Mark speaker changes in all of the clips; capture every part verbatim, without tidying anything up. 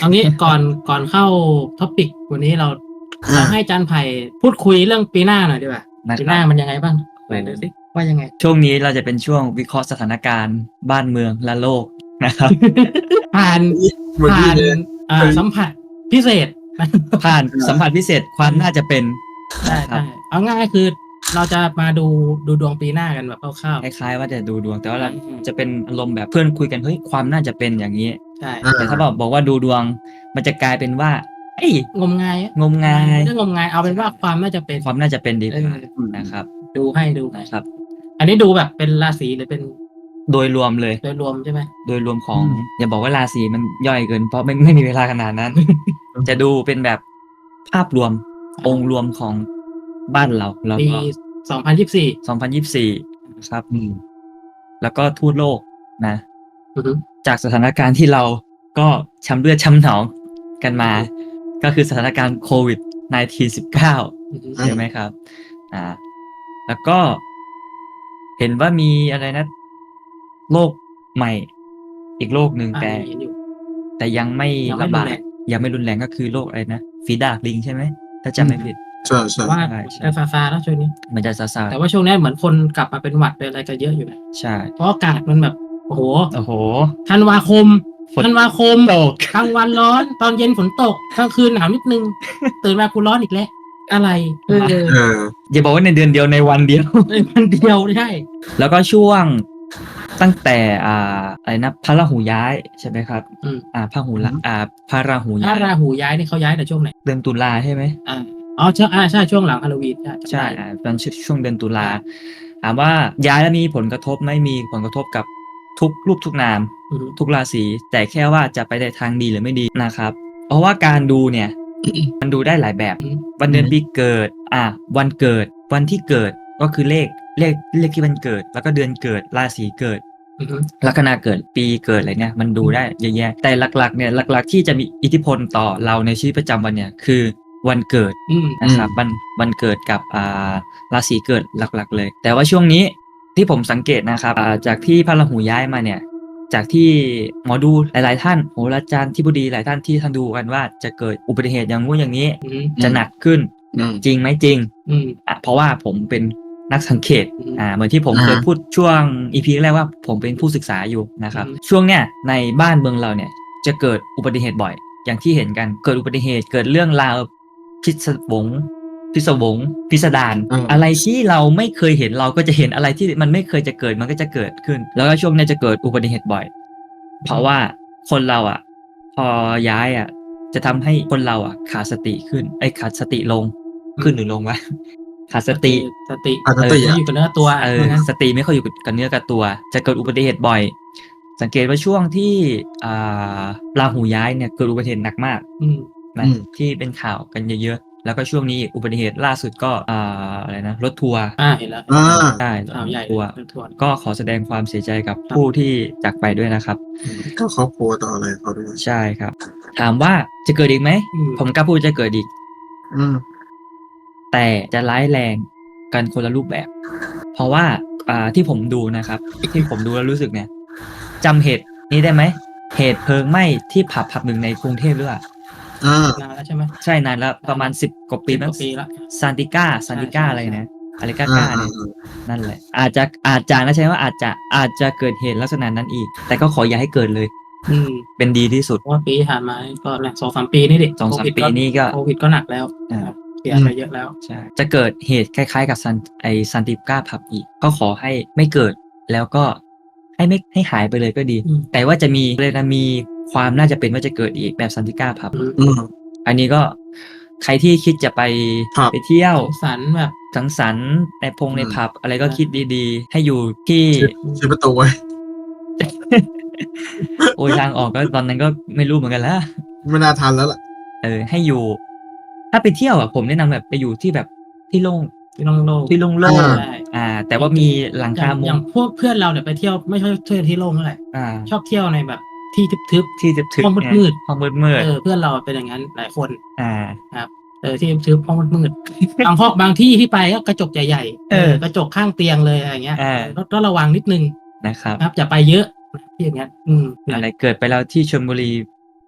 Speaker 1: เอางี้ก่อนก่อนเข้าท็อปิกวันนี้เราเรา
Speaker 2: อ่า
Speaker 1: ให้อาจารย์ไผ่พูดคุยเรื่องปีหน้าหน่อยดีกว่า
Speaker 3: นะ
Speaker 1: ปี
Speaker 3: ค
Speaker 1: ห
Speaker 3: รั
Speaker 1: น้า
Speaker 3: บ
Speaker 1: มันยังไงบ้างไหนดูสิว่ายังไง
Speaker 3: ช่วงนี้เราจะเป็นช่วงวิเคราะห์สถานการณ์บ้านเมืองและโลกนะครับ
Speaker 1: ผ่าน
Speaker 2: เหมือน
Speaker 1: ผ่า
Speaker 2: พี่
Speaker 1: น
Speaker 2: เลย
Speaker 1: อ่า
Speaker 2: เคย
Speaker 1: สัมผัสพิเศษ
Speaker 3: ผ่านสัมผัสพิเศษความน่าจะเป็น
Speaker 1: ใช่
Speaker 3: นะครั
Speaker 1: ใช่
Speaker 3: บ
Speaker 1: เอาง่ายๆคือเราจะมาดูดูดวงปีหน้ากันแบบคร่าว
Speaker 3: คล้ายๆว่าจะดูดวงแต่ว่าเรา
Speaker 1: อืม
Speaker 3: จะเป็นอารมณ์แบบเพื่อนคุยกันเฮ้ยความน่าจะเป็นอย่างนี้
Speaker 1: ๆใช่
Speaker 2: อ่า
Speaker 3: แต่ถ้าบอกบอกว่าดูดวงมันจะกลายเป็นว่าเอ้ย
Speaker 1: งมงายอะ
Speaker 3: งมงาย
Speaker 1: ไม่ได้งมงายเอาเป็นว่าความน่าจะเป็น
Speaker 3: ความน่าจะเป็นดีกว่า
Speaker 1: เออ
Speaker 3: นะครับ
Speaker 1: ดูให้ดูให้
Speaker 3: นะครับ
Speaker 1: อันนี้ดูแบบเป็นราศีหรือเป็น
Speaker 3: โดยรวมเลย
Speaker 1: โดยรวมใช่ไหม
Speaker 3: โดยรวมของ
Speaker 2: อืม
Speaker 3: อย่าบอกว่าราศีมันย่อยเกินเพราะไม่ไม่มีเวลาขนาดนั้น จะดูเป็นแบบภาพรวมองค์รวมของบ้านเราแล้ว
Speaker 1: ปี
Speaker 3: ก็
Speaker 1: สองพันยี่สิบสี่
Speaker 3: สองพันยี่สิบสี่นะครับ
Speaker 2: อืม
Speaker 3: แล้วก็ทั่วโลกนะ
Speaker 1: อือฮึ
Speaker 3: จากสถานการณ์ที่เราก็ช้ำเลือดช้ำหนองกันมา ก็คือสถานการณ์โควิด สิบเก้า
Speaker 1: อือฮึ
Speaker 2: อื
Speaker 3: ใช่ไหมครับ อ่า แล้วก็เห็นว่ามีอะไรนะ โลกใหม่ อีกโลกหนึ่ง
Speaker 1: อ่า
Speaker 3: แต่
Speaker 1: เห็นอยู่
Speaker 3: แต่ยังไม่
Speaker 1: ยังไม่
Speaker 3: ระบา
Speaker 1: รุน
Speaker 3: ด
Speaker 1: แรง
Speaker 3: ยังไม่รุนแรงก็คือโรคอะไรนะฝีดาดลิงใช่ไหมถ้าจำไม่ผิด
Speaker 2: ใช่ใช่
Speaker 1: แต่ว่า
Speaker 3: ใช่ใช่
Speaker 1: จะซาซาแล้วช่วงนี้
Speaker 3: มันจะซาซา
Speaker 1: แต่ว่าช่วงนี้เหมือนคนกลับมาเป็นหวัดเป็นอะไรกันเยอะอยู่นะ
Speaker 3: ใช่
Speaker 1: เพราะอากาศมันแบบ โอ้โห
Speaker 3: โอ้โห
Speaker 1: ธันวาคม
Speaker 3: ฝน
Speaker 1: ธันวาคม
Speaker 3: ตก
Speaker 1: กลางวันร้อน ตอนเย็นฝนตกกลางคืนหนาวนิดนึง ตื่นมากูร้อนอีกแล้ว อะไรเออ
Speaker 2: เออ
Speaker 3: อย่าบอกว่าในเดือนเดียวในวันเดียว
Speaker 1: ในวันเดียวใช่
Speaker 3: แล้วก็ช่วงตั้งแต่อ่าอะไรนะพระราหูย้ายใช่ไหมครับ
Speaker 1: อืม
Speaker 3: อ่าพระหูละ
Speaker 2: อืม
Speaker 3: อ่าพระราหู
Speaker 1: ถ้า
Speaker 3: ย้าย
Speaker 1: ราหูย้ายนี่เขาย้ายแต่ช่วงไหน
Speaker 3: เดือนตุลาใช่ไหม
Speaker 1: อ่าอ๋อใช่อ่าใช่ช่วงหลังฮาโลวีนใช่
Speaker 3: ใช่
Speaker 1: จำได้
Speaker 3: อ่าตอนช่วงเดือนตุลา
Speaker 1: ใช่
Speaker 3: ถามว่าย้ายแล้วมีผลกระทบไหม่มีผลกระทบกับทุกรูปทุกนาม
Speaker 1: อือฮึ
Speaker 3: ทุกราศีแต่แค่ว่าจะไปในทางดีหรือไม่ดีนะครับ เพราะว่าการดูเนี่ย มันดูได้หลายแบบ วันเดือน
Speaker 2: อืม
Speaker 3: ปีเกิด อ่ะวันเกิด วันที่เกิดก็คือเลขเลขเลขที่มันเกิด แล้วก็เดือนเกิดราศีเกิด
Speaker 1: อือฮึ
Speaker 3: ลัคนาเกิดปีเกิดอะไรเนี่ยมันดูได้เยอะแยะแต่หลักๆเนี่ยหลักๆที่จะมีอิทธิพลต่อเราในชีวิตประจำวันเนี่ยคือวันเกิด
Speaker 1: อืม
Speaker 3: นะครับวันวันเกิดกับอ่าราศีเกิดหลักๆเลย แต่ว่าช่วงนี้ที่ผมสังเกตนะครับอ่าจากที่พระราหูย้ายมาเนี่ย จากที่หมอดูหลายๆท่านโหราจารย์ที่บดีหลายท่านที่ท่านดูกันว่าจะเกิดอุบัติเหตุอย่างงู้นอย่างนี้
Speaker 1: อืม
Speaker 3: จะหนักขึ้น
Speaker 2: อืม
Speaker 3: จริงไหมจริง
Speaker 1: อืม
Speaker 3: อ่ะเพราะว่าผมเป็นนักสังเกต
Speaker 1: อืม
Speaker 3: อ่าเหมือนที่ผม
Speaker 2: อ่า
Speaker 3: เคยพูดช่วงอีพีแรกว่าผมเป็นผู้ศึกษาอยู่นะครับ
Speaker 1: อืม
Speaker 3: ช่วงเนี้ยในบ้านเมืองเราเนี่ยจะเกิดอุบัติเหตุบ่อย อย่างที่เห็นกันเกิดอุบัติเหตุเกิดเรื่องราวพิศวงพิศวงพิสดาร
Speaker 2: อืม
Speaker 3: อะไรที่เราไม่เคยเห็นเราก็จะเห็นอะไรที่มันไม่เคยจะเกิดมันก็จะเกิดขึ้น แล้วก็ช่วงเนี้ยจะเกิดอุบัติเหตุบ่อย เพราะว่าคนเราอ่ะ พอย้ายอ่ะ จะทำให้คนเราอ่ะขาดสติขึ้นไอ้ยขาดสติลงขึ้นหรือลงวะ ขาดสติ
Speaker 1: สติ
Speaker 2: ปกติ
Speaker 1: ไม่
Speaker 2: อ่ะ
Speaker 1: อยู่กับเนื้อตัว
Speaker 3: เออ
Speaker 1: ว่างั้น
Speaker 3: สติไม่ค่อยอยู่กับเนื้อกับตัว จะเกิดอุบัติเหตุบ่อย สังเกตว่าช่วงที่อ่าราหูย้ายเนี่ยเกิดอุบัติเหตุหนักมาก
Speaker 1: อืม
Speaker 3: นะ
Speaker 2: อืม
Speaker 3: ที่เป็นข่าวกันเยอะๆ แล้วก็ช่วงนี้อุบัติเหตุล่าสุดก็อ่าอะไรนะรถทัวร์
Speaker 1: อ่าเห็นแล้ว
Speaker 2: อ่า
Speaker 3: ใช่
Speaker 1: ข่าวใหญ่
Speaker 3: ทัวร์
Speaker 1: เรื่องทัวร์
Speaker 3: ก็ขอแสดงความเสียใจกับ
Speaker 1: ครับ
Speaker 3: ผู้ที่จากไปด้วยนะครับ
Speaker 2: ก็ครอบครัวต่ออะไรเขาด้วย
Speaker 3: ใช่ครับ ถามว่าจะเกิดอีกไหม
Speaker 1: อืม
Speaker 3: ผมกล้าพูดจะเกิดอีก
Speaker 2: อืม
Speaker 3: แต่จะร้ายแรงกันคนละรูปแบบ เพราะว่าอ่าที่ผมดูนะครับ ที่ผมดูแล้วรู้สึกเนี่ยจำเหตุนี้ได้ไหม เหตุเพลิงไหม้ที่ผับผับหนึ่งในกรุงเทพหรือเปล่า
Speaker 2: อ่า
Speaker 1: นานแล้วใช่ไหม
Speaker 3: ใช่นานแล้วประมาณสิบกว่าปี
Speaker 1: สิบ
Speaker 3: มั้
Speaker 1: ก
Speaker 3: ง
Speaker 1: ว่าปีละ
Speaker 3: ซานติก้าซานติก้า
Speaker 1: ใช่
Speaker 3: อะไร
Speaker 1: ใช่
Speaker 3: นะอะไรก้า
Speaker 2: อ่า
Speaker 3: ก้าเนี่ยนั่นแหละ อาจจะอาจจะนะใช่ไหมว่าอาจจะอาจจะเกิดเหตุลักษณะนั้นอีก แต่ก็ขออย่าให้เกิดเลย
Speaker 1: อืม
Speaker 3: เป็นดีที่สุด
Speaker 1: เพราะว่าปีที่ผ่านมาก็เนี่ยสองสามปีนี่ดิ
Speaker 3: สองสาม
Speaker 1: โควิด
Speaker 3: ปีนี่ก็
Speaker 1: โควิดก็หนักแล้ว
Speaker 3: อ่า
Speaker 1: นะครับเสียไปเยอะแล้ว
Speaker 3: ใช่จะเกิดเหตุคล้ายๆกับซันไอซันติก้าผับอีก ก็ขอให้ไม่เกิดแล้วก็ให้ไม่ให้หายไปเลยก็ดี
Speaker 1: อืม
Speaker 3: แต่ว่าจะมีเลยนะมีความน่าจะเป็นว่าจะเกิดอีกแบบซันติก้าผับ
Speaker 1: อืม
Speaker 2: อืม
Speaker 3: อันนี้ก็ใครที่คิดจะไป
Speaker 2: ครับ
Speaker 3: ไปเที่ยว
Speaker 1: สงสารแบบ
Speaker 3: สังสรรค์ในพงใน
Speaker 2: อืม
Speaker 3: ผับ อะไรก็
Speaker 1: ใช่
Speaker 3: คิดดีๆ ให้อยู่ที่
Speaker 2: ชี้ประตูไว้
Speaker 3: โอ้ยทางออกก็ตอนนั้นก็ไม่รู้เหมือนกันแล้ว
Speaker 2: ไม่น่าทันแล้วล่ะ
Speaker 3: เออให้อยู่ ถ้าไปเที่ยวอ่ะผมแนะนำแบบไปอยู่ที่แบบที่โล่ง
Speaker 1: ที่โล่งๆ
Speaker 3: ที่โล่ง
Speaker 2: อ่า
Speaker 1: ใช่
Speaker 3: ๆอ่า แต่ว่ามีหลัง
Speaker 1: อ
Speaker 3: คา
Speaker 1: ย่าง
Speaker 3: มุ
Speaker 1: อง ย่างพวกเพื่อนเราเนี่ยไปเที่ยวไม่ชอบเที่ยวที่โล่งเท่าไหร่
Speaker 3: อ่า
Speaker 1: ชอบเที่ยวในแบบที่ทึบ
Speaker 3: ที่จะถึง
Speaker 1: ห้องมืดๆ
Speaker 3: ห้องมืดมื
Speaker 1: ๆ
Speaker 3: ด
Speaker 1: เออเพื่อนเราเป็นอย่างนั้นหลายคน
Speaker 3: อ่า
Speaker 1: เออที่ทึบห้องมืดๆ บางห้องบางที่ที่ไปก็กระจกใหญ่ๆ
Speaker 3: เออ
Speaker 1: กระจกข้างเตียงเลยอะไรเงี้ย
Speaker 3: เออ
Speaker 1: ก็ต้องระวังนิดนึง
Speaker 3: นะครับ
Speaker 1: นะครับอย่าไปเยอะที่อย่างเงี้ย อืม
Speaker 3: อะไรเกิดไปแล้วที่ชลบุรี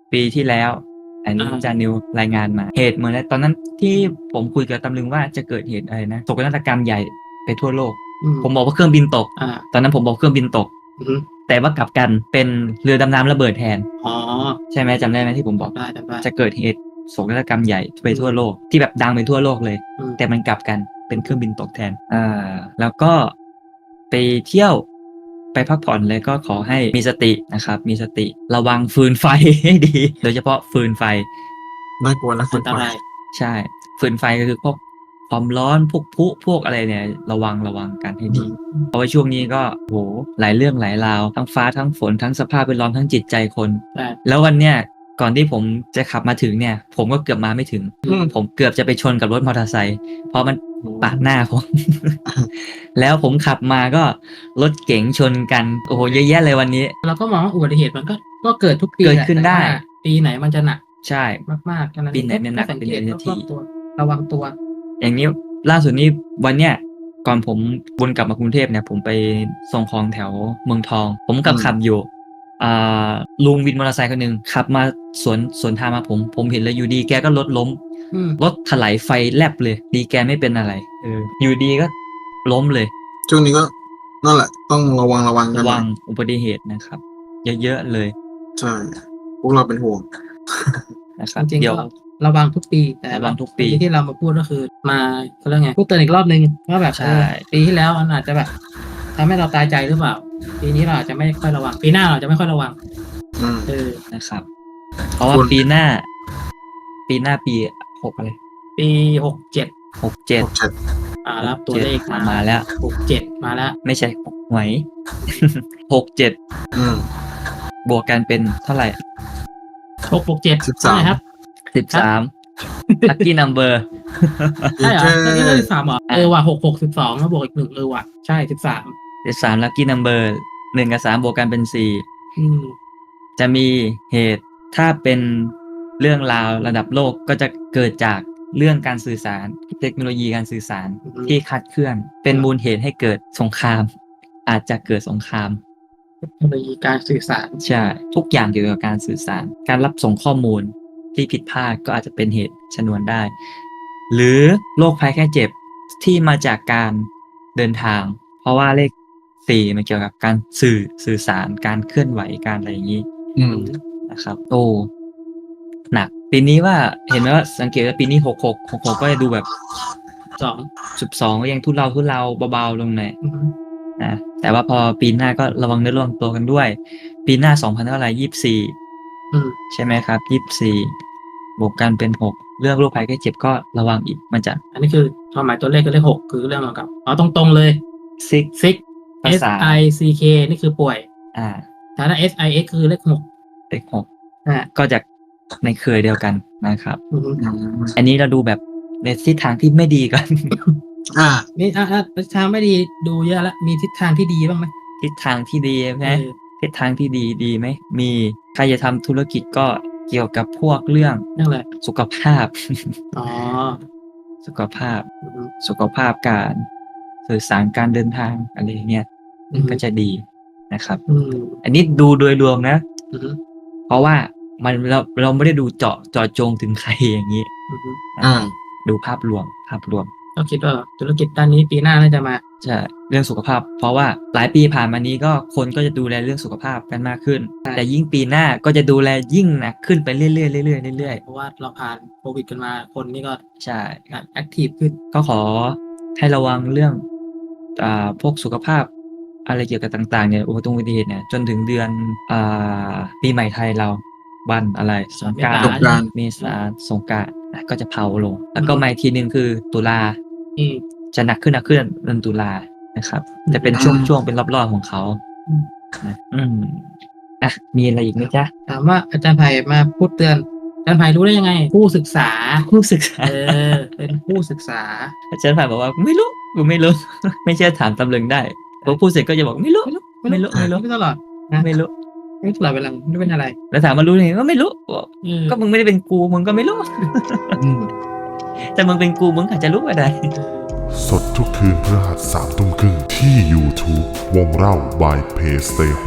Speaker 3: ปีที่แล้ว อันนี้
Speaker 1: อ่า
Speaker 3: จานิวรายงานมาเหตุเหมือนตอนนั้นที่ผมคุยกับตำลึงว่าจะเกิดเหตุอะไรนะโศกนาฏกรรมใหญ่ไปทั่วโลก
Speaker 1: อืม
Speaker 3: ผมบอกว่าเครื่องบินตก
Speaker 1: อ่า
Speaker 3: ตอนนั้นผมบอกเครื่องบินตก
Speaker 1: อือฮึ
Speaker 3: แต่ว่ากลับกันเป็นเรือดำน้ำระเบิดแทน
Speaker 1: อ๋อ
Speaker 3: ใช่ไหมจำได้ไหมที่ผมบอก
Speaker 1: ได้จำได้
Speaker 3: จะเกิดเหตุโศกนาฏกรรมใหญ่ไปทั่วโลกที่แบบดังไปทั่วโลกเลย
Speaker 1: อืม
Speaker 3: แต่มันกลับกันเป็นเครื่องบินตกแทน อ่า แล้วก็ไปเที่ยวไปพักผ่อนเลยก็ขอให้มีสตินะครับ มีสติระวังฟืนไฟ ให้ดี โดยเฉพาะฟืนไฟ
Speaker 2: น่ากลัวนะ
Speaker 1: อั
Speaker 2: ฝึ
Speaker 1: น
Speaker 2: ก
Speaker 1: ต
Speaker 2: ไป
Speaker 1: ราย
Speaker 3: ใช่ ฟืนไฟก็คือพวกความร้อนพวกพลุพวกอะไรเนี่ยระวังระวังกันให้ดี เพราะว่าช่วงนี้ก็โหหลายเรื่องหลายราวทั้งฟ้าทั้งฝนทั้งสภาพแวดล้อมทั้งจิตใจคน
Speaker 1: ใช่
Speaker 3: แล้ววันเนี้ยก่อนที่ผมจะขับมาถึงเนี่ย ผมก็เกือบมาไม่ถึง
Speaker 2: อืม
Speaker 3: ผมเกือบจะไปชนกับรถมอเตอร์ไซค์เพราะมันปาดหน้าผม แล้วผมขับมาก็รถเก๋งชนกันโอ้โหเยอะแยะเลยวันนี้
Speaker 1: เราก็มองว่าอุบัติเหตุมันก็ก็เกิดทุกปี
Speaker 3: เกิดขึ้น
Speaker 1: แหละ
Speaker 3: ได้
Speaker 1: แต่ว่าปีไหนมันจะหนัก
Speaker 3: ใช่
Speaker 1: มากๆกันนั้น
Speaker 3: ปีไหนมันหนัก
Speaker 1: สัง
Speaker 3: เป็น
Speaker 1: เกต
Speaker 3: เดือนที
Speaker 1: รอบๆตัว ระวังตัว
Speaker 3: อย่างนี้ล่าสุดนี้วันเนี้ยก่อนผมวนกลับมากรุงเทพเนี่ยผมไปส่งของแถวเมืองทอง ผมกับ
Speaker 2: อืม
Speaker 3: ขับอยู่อ่าลุงวินมอเตอร์ไซค์คนหนึ่งขับมาสวนสวนทางมาผม ผมเห็นเลยอยู่ดีแกก็รถล้ม
Speaker 1: อืม
Speaker 3: รถถลายไฟแลบเลย ดีแกไม่เป็นอะไรเอออยู่ดีก็ล้มเลย
Speaker 2: ช่วงนี้ก็นั่นแหละ ต้องระวังระวังกัน
Speaker 3: ระ
Speaker 2: หน่
Speaker 3: วั
Speaker 2: อย
Speaker 3: งอุบัติเหตุนะครับ เยอะๆเลย
Speaker 2: ใช่ พวกเราเป็นห่วง
Speaker 3: นะครับ
Speaker 1: จริงๆ
Speaker 3: เดี๋ยว
Speaker 1: ก็ระวังทุกปี แต่
Speaker 3: ระวังทุกปี
Speaker 1: ที่เรามาพูดก็คือมาเขาเรียกไงพูดเตือนอีกรอบนึงว่าแบบ
Speaker 3: ใช่
Speaker 1: เออปีที่แล้วมันอาจจะแบบทำให้เราตายใจหรือเปล่า ปีนี้เราอาจจะไม่ค่อยระวัง ปีหน้าเราอาจจะไม่ค่อยระวัง
Speaker 2: อืม
Speaker 1: เออ
Speaker 3: นะครับ เพราะว่า
Speaker 2: คุณ
Speaker 3: ปีหน้า ปีหน้าปีหกอะไร
Speaker 1: ปีหกเจ็ด
Speaker 3: หกเจ็ด
Speaker 2: หกเจ็ด
Speaker 1: อ่ารับตัวเลขมา
Speaker 3: มาแล้ว
Speaker 1: หกเจ็ดมาแล้ว
Speaker 3: ไม่ใช่หวย หกเจ็ด
Speaker 2: อืม
Speaker 3: บวกกันเป็นเท่าไหร่
Speaker 1: หกหกเจ็ด
Speaker 2: สิบสาม
Speaker 1: ครับ
Speaker 3: สิบสามลัคกี้นัมเบอร์
Speaker 1: ใช่เหรอ
Speaker 2: เจ๊
Speaker 1: อันนี้ก็สิบสามเหรอเออว่ะหกหกสิบสองแล้วบวกอีกหนึ่งเออว่ะใช่สิบสาม
Speaker 3: สิบสามลัคกี้นัมเบอร์หนึ่งกับสามบวกกันเป็นสี่
Speaker 1: อืม
Speaker 3: จะมีเหตุถ้าเป็นเรื่องราวระดับโลกก็จะเกิดจากเรื่องการสื่อสาร เทคโนโลยีการสื่อสาร
Speaker 1: อืม
Speaker 3: ที่คลาดเคลื่อน เป็นมูลเหตุให้เกิดสงคราม อาจจะเกิดสงคราม
Speaker 1: เทคโนโลยีการสื่อสาร
Speaker 3: ใช่ ทุกอย่างเกี่ยวกับการสื่อสาร การรับส่งข้อมูลที่ผิดพลาดก็อาจจะเป็นเหตุชนวนได้ หรือโรคภัยแค่เจ็บที่มาจากการเดินทาง เพราะว่าเลขสี่มันเกี่ยวกับการสื่อสื่อสารการเคลื่อนไหวการอะไรอย่างนี้
Speaker 2: อืม
Speaker 3: นะครับ โอ้หนัก ปีนี้ว่าเห็นไหมว่าสังเกตว่าปีนี้หกหกหกหกก็จะดูแบบ
Speaker 1: สอง
Speaker 3: สิบสองก็ยังทุเลาทุเลาเบาๆลงหน่อย
Speaker 1: อืม
Speaker 3: นะแต่ว่าพอปีหน้าก็ระวังเนื้อระวังตัวกันด้วย ปีหน้าสองพันเท่าไหร่ยี่สิบสี่
Speaker 1: อืม
Speaker 3: ใช่ไหมครับยี่สิบสี่บวกกันเป็นหกเรื่องโรคภัยไข้เจ็บก็ระวังอีกมันจะ
Speaker 1: อันนี้คือความหมายตัวเลขคือเลขหกคือเรื่องเกี่ยวกับเอาตรงๆเลย
Speaker 3: ซิก
Speaker 1: ซิก
Speaker 3: ภา
Speaker 1: S
Speaker 3: ษา
Speaker 1: I C K นี่คือป่วย
Speaker 3: อ่า
Speaker 1: แต่ถ้า S I X คือเลขหก
Speaker 3: เลขหก
Speaker 1: อ่า
Speaker 3: ก็จะในเครือเดียวกันนะครับ
Speaker 1: อืม
Speaker 2: อืม
Speaker 3: อันนี้เราดูแบบในทิศทางที่ไม่ดีกัน
Speaker 2: อ่า
Speaker 1: นี่อ่ะอ่ะทิศทางไม่ดีดูเยอะแล้วมีทิศทางที่ดีบ้างไหม
Speaker 3: ทิศทางที่ดีไหม
Speaker 1: เออ
Speaker 3: ทิศทางที่ดีดีไหมมีใครจะทำธุรกิจก็เกี่ยวกับพวกเรื่อง
Speaker 1: นั่นแหละ
Speaker 3: สุขภาพ
Speaker 1: อ๋อ
Speaker 3: สุขภาพ
Speaker 1: อืม
Speaker 3: สุขภาพการสื่อสารการเดินทางอะไรเงี้ย
Speaker 1: อืม
Speaker 3: ก็จะดีนะครับ
Speaker 1: อืม
Speaker 3: อันนี้ดูโดยรวมนะ
Speaker 1: อืม
Speaker 3: เพราะว่ามันเราเราไม่ได้ดูเจาะเจาะจงถึงใครอย่างนี้
Speaker 1: อืม
Speaker 2: อ่า
Speaker 3: ดูภาพรวมภาพรวม
Speaker 1: ก็คิดว่าธุรกิจด้านนี้ปีหน้าน่าจะมา
Speaker 3: ใช่เรื่องสุขภาพ เพราะว่าหลายปีผ่านมานี้ก็คนก็จะดูแลเรื่องสุขภาพกันมากขึ้น
Speaker 1: ใช่
Speaker 3: แต่ยิ่งปีหน้าก็จะดูแลยิ่งหนักขึ้นไปเรื่อยๆเรื่อยๆเรื่อย
Speaker 1: เพราะว่าเราผ่านโควิดกันมาคนนี่ก็
Speaker 3: ๆใช่
Speaker 1: แอคทีฟขึ้น
Speaker 3: ก็ขอให้ระวังเรื่องอ่าพวกสุขภาพอะไรเกี่ยวกับต่างๆเนี่ยอุบัติเหตุเนี่ยจนถึงเดือนอ่าปีใหม่ไทยเราวันอะไรสงกราน
Speaker 1: เมษา
Speaker 2: สงกรานต์
Speaker 3: เมษาสงกรานต์อ่ะก็จะเผาลง แล้วก็มาอีกทีหนึ่งคือตุลา
Speaker 1: อืม
Speaker 3: จะหนักขึ้นหนักขึ้นเดือนตุลานะครับ จะเป็น
Speaker 2: อืม
Speaker 3: ช่วงช่วงเป็นรอบๆของเขา
Speaker 1: อืม
Speaker 3: นะอืมอ่ะมีอะไรอีกไหมจ๊ะ
Speaker 1: ถามว่าอาจารย์ไผ่มาพูดเตือนอาจารย์ไผ่รู้ได้ยังไง ผู้ศึกษา
Speaker 3: ผู้ศึกษา
Speaker 1: เออ เป็นผู้ศึกษา
Speaker 3: อาจารย์ผ่านบอกว่าไม่รู้กูไม่รู้ ไม่เชื่อถามตำลึงได้พอพูดเสร็จก็จะบอกไม่รู้ ไม่รู้ ไม่รู้
Speaker 1: ไม่ตลอดนะ
Speaker 3: ไม่รู้
Speaker 1: ไม่ตลอดเวลาไม่รู้เป็นอะไร
Speaker 3: แล้วถามมารู้ไงก็ไม่รู้บอก
Speaker 1: เออ
Speaker 3: ก็มึงไม่ได้เป็นกูมึงก็ไม่รู้
Speaker 2: อืม
Speaker 3: แต่มึงเป็นกูมึงอาจจะรู้ก็ได้
Speaker 4: สดทุกคืนพฤหัสสามทุ่มครึ่งที่ YouTube วงเล่า by Play Stay Home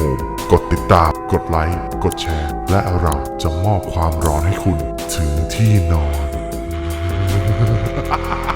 Speaker 4: กดติดตาม กดไลค์ กดแชร์ และเราจะมอบความร้อนให้คุณถึงที่นอน